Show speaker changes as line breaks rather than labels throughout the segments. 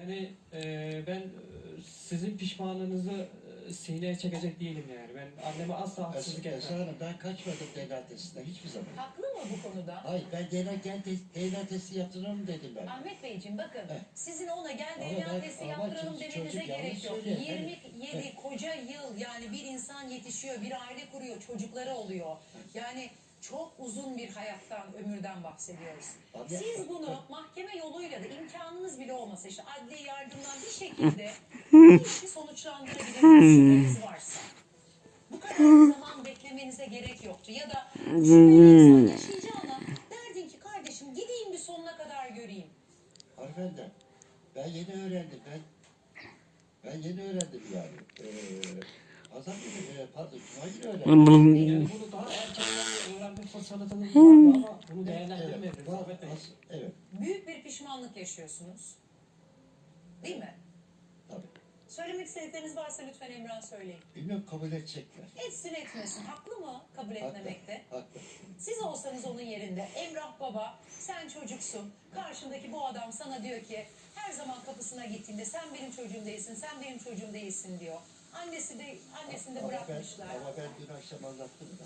Yani ben sizin pişmanlığınızı sineye çekecek değilim yani. Ben anneme asla haksızlık
Esra
etmem.
Hanım, ben kaçmadım DNA testinden hiçbir zaman.
Haklı mı bu konuda?
Hayır, ben DNA testi yaptırırım dedim ben.
Ahmet Beyciğim bakın,
Heh.
sizin ona gel
Ama
DNA
ben-
testi
ama
yaptıralım
çocuk
demenize
yanlış
gerek yok.
söylüyor.
27 koca yıl yani bir insan yetişiyor, bir aile kuruyor, çocukları oluyor. Yani çok uzun bir hayattan, ömürden bahsediyoruz.
Abi-
Siz bunu mahkeme yoluyla da imkanınız bile olmasa işte adli yardımdan bir şekilde bu işi sonuçlandırabilirsiniz şüpheniz varsa. Bu kadar zaman beklemenize gerek yoktu. Ya da şüpheli insan yaşayacağına derdin ki kardeşim gideyim bir sonuna kadar göreyim.
Hanımefendi, ben yeni öğrendim. Ben yeni öğrendim yani. Pazar günü, pardon, Cuma günü öğrendim.
Yani bunu daha erkenden öğrenme fırsatınız vardı ama bunu değerlendirmediniz
var,
Ahmet Bey.
evet,
Büyük bir pişmanlık yaşıyorsunuz. Değil mi?
tabii.
Söylemek istedikleriniz varsa lütfen Emrah söyleyin.
Bilmiyorum, kabul edecekler.
Etsin etmesin. Haklı mı kabul etmemekte?
Haklı.
Siz olsanız onun yerinde Emrah baba sen çocuksun. Karşındaki bu adam sana diyor ki her zaman kapısına gittiğinde sen benim çocuğum değilsin, sen benim çocuğum değilsin diyor. Annesini de bırakmışlar.
Ama ben dün akşam anlattım da.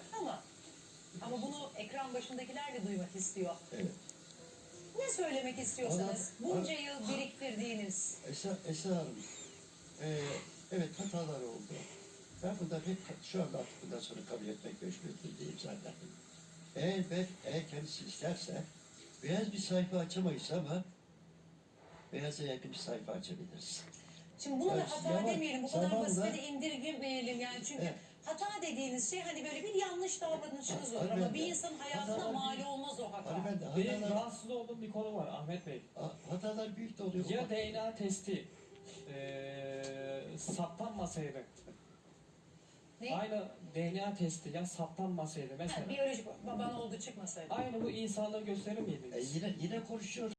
Ama bunu ekran başındakiler de duymak istiyor.
Evet.
Ne söylemek istiyorsanız
Ona-
bunca yıl biriktirdiğiniz
Esra Hanım, evet hatalar oldu. Ben bundan hep şu anda artık bundan sonra kabul etmek mecburiyetindeyim zaten. Eğer kendisi isterse beyaz bir sayfa açamayız ama beyaza yakın bir sayfa açabiliriz.
Şimdi bunu da
Evet,
hata
zaman-
demeyelim, bu kadar
zamanla-
basite de indirgemeyelim yani çünkü
Evet.
hata dediğiniz şey hani böyle bir yanlış davranışınız olur
Hani
ama
ben-
bir insanın hayatına
hatalar
mal
büyük.
olmaz o hata.
Hani ben de
Benim rahatsız olduğum bir konu var Ahmet Bey.
hatalar büyük de oluyor.
Ya DNA testi saptanmasaydı,
Ne?
aynı DNA testi ya saptanmasaydı
Ha,
mesela,
biyolojik baban olduğu çıkmasaydı.
aynı bu insanlığı gösterir miydi?
Yine konuşuyoruz.